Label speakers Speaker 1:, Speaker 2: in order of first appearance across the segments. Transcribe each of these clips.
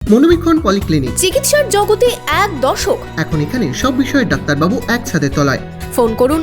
Speaker 1: মনোবীক্ষণ polyclinic,
Speaker 2: চিকিৎসার জগতে এক দশক।
Speaker 1: এখন এখানে সব বিষয়ে ডাক্তারবাবু একসাথে তলায়।
Speaker 2: ফোন করুন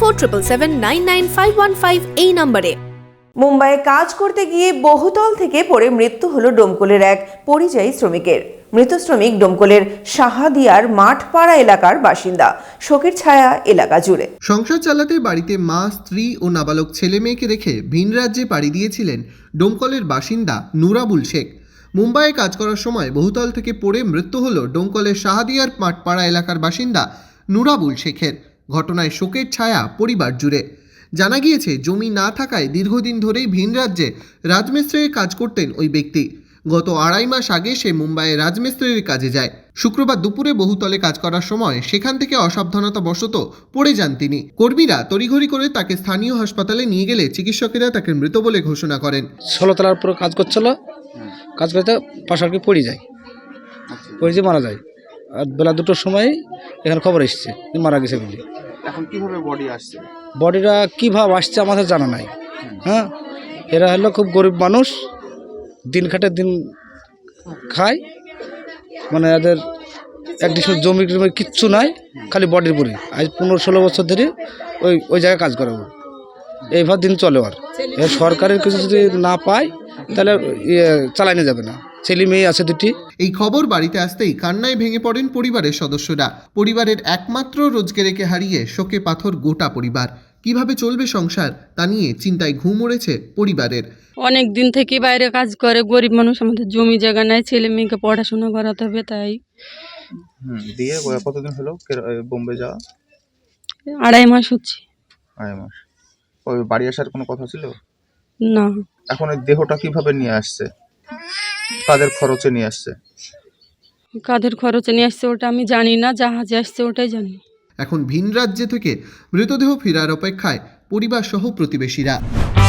Speaker 2: 7477999515 এই নম্বরে।
Speaker 3: মুম্বাইয়ে কাজ করতে গিয়ে বহুতল থেকে পড়ে মৃত্যু হলো ডোমকলের এক পরিযায়ী শ্রমিকের। মৃত শ্রমিক ডোমকলের শাহাদিয়ার মাঠপাড়া এলাকার বাসিন্দা। শোকের ছায়া এলাকা জুড়ে।
Speaker 1: সংসার চালাতে বাড়িতে মা, স্ত্রী ও নাবালক ছেলে মেয়েকে রেখে ভিন রাজ্যে পাড়ি দিয়েছিলেন ডোমকলের বাসিন্দা নুরাবুল শেখ। মুম্বাইয়ে কাজ করার সময় বহুতল থেকে পড়ে মৃত্যু হল ডোমকলের শাহাদিয়ার মাঠপাড়া এলাকার বাসিন্দা নুরাবুল শেখের। ঘটনায় শোকের ছায়া পরিবার জুড়ে। জানা গিয়েছে, জমি না থাকায় দীর্ঘদিন ধরেই ভিন রাজ্যে রাজমিস্ত্রির কাজ করতেন ওই ব্যক্তি। গত 2.5 মাস আগে সে মুম্বাইয়ে রাজমিস্ত্রির কাজে যায়। শুক্রবার দুপুরে বহুতলে কাজ করার সময় সেখান থেকে অসাবধানতাবশত পড়ে যান তিনি। কর্মীরা তড়িঘড়ি করে তাকে স্থানীয় হাসপাতালে নিয়ে গেলে চিকিৎসকেরা তাকে মৃত বলে ঘোষণা করেন।
Speaker 4: 16 তলার উপরে কাজ করছিল, কাজ করতে পাশারকে পড়ে যায়, পড়ে মারা যায়। আর বেলা 2টোর সময় এখানে খবর এসছে মারা গেছে বলে।
Speaker 5: এখন কিভাবে বডি আসছে?
Speaker 4: বডিটা কীভাবে আসছে আমাদের জানা নাই। হ্যাঁ, এরা হলো খুব গরিব মানুষ, দিন খাটে দিন খায়, মানে এদের একদিন জমি টমি কিচ্ছু নাই, খালি বডির পরে। আজ 15-16 বছর ধরে ওই জায়গায় কাজ করে। এইভাবে দিন চলে। আর সরকারের কিছু যদি না পায় তাহলে চালানো যাবে না। ছেলে মেয়ে আছে 2টি।
Speaker 1: এই খবর বাড়িতে আসতেই কান্নায় ভেঙে পড়েন পরিবারের সদস্যরা। পরিবারের একমাত্র রোজগারকে হারিয়ে শোকে পাথর গোটা পরিবার। কিভাবে চলবে সংসার তা নিয়ে চিন্তায় ঘুম উড়েছে পরিবারের।
Speaker 6: অনেক দিন থেকে বাইরে কাজ করে, গরিব মানুষ, আমাদের জমি জায়গা নাই, ছেলে মেয়েকে পড়াশোনা করাতে হবে, তাই।
Speaker 5: দিয়ে কতদিন হলো বোম্বে যাওয়া?
Speaker 6: 2.5 মাস হচ্ছে।
Speaker 5: 2.5 মাস। ওই বাড়ি আসার কোনো কথা ছিল
Speaker 6: না।
Speaker 5: এখন এই দেহটা কিভাবে নিয়ে আসছে? কাদের খরচে নিয়ে আসছে?
Speaker 6: কাদের খরচে নিয়ে আসছে ওটা আমি জানি না, জাহাজে আসছে ওটাই জানি।
Speaker 1: এখন ভিন রাজ্য থেকে মৃতদেহ ফেরার অপেক্ষায় পরিবার সহ প্রতিবেশীরা।